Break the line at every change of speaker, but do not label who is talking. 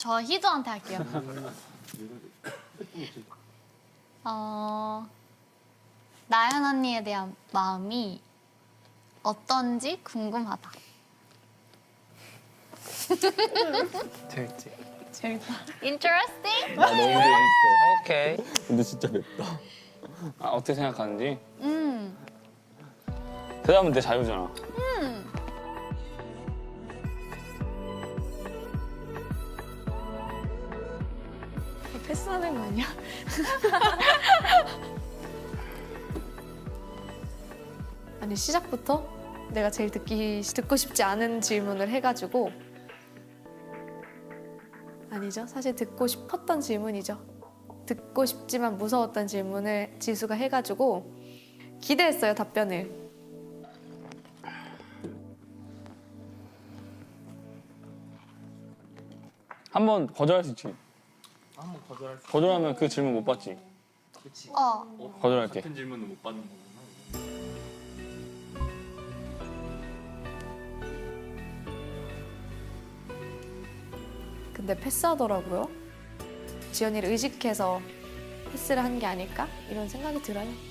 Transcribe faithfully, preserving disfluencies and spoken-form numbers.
저 희주한테 할게요. 어, 나연 언니에 대한 마음이 어떤지 궁금하다.
재밌지?
재밌다.
Interesting?
나 너무 재밌어.
오케이.
근데 진짜 맵다.
아, 어떻게 생각하는지?
음,
대답은 내 자유잖아.
음.
패스하는 거 아니야? 아니 시작부터 내가 제일 듣기 듣고 싶지 않은 질문을 해가지고 아니죠. 사실 듣고 싶었던 질문이죠. 듣고 싶지만 무서웠던 질문을 지수가 해가지고 기대했어요 답변을.
한 번 거절할 수 있지.
한번 거절할 수.
거절하면 그 질문 못 받지.
그렇지.
어,
거절할게.
같은 질문은 못 받는 거구나.
근데 패스하더라고요. 지연이를 의식해서 패스를 한 게 아닐까 이런 생각이 들어요.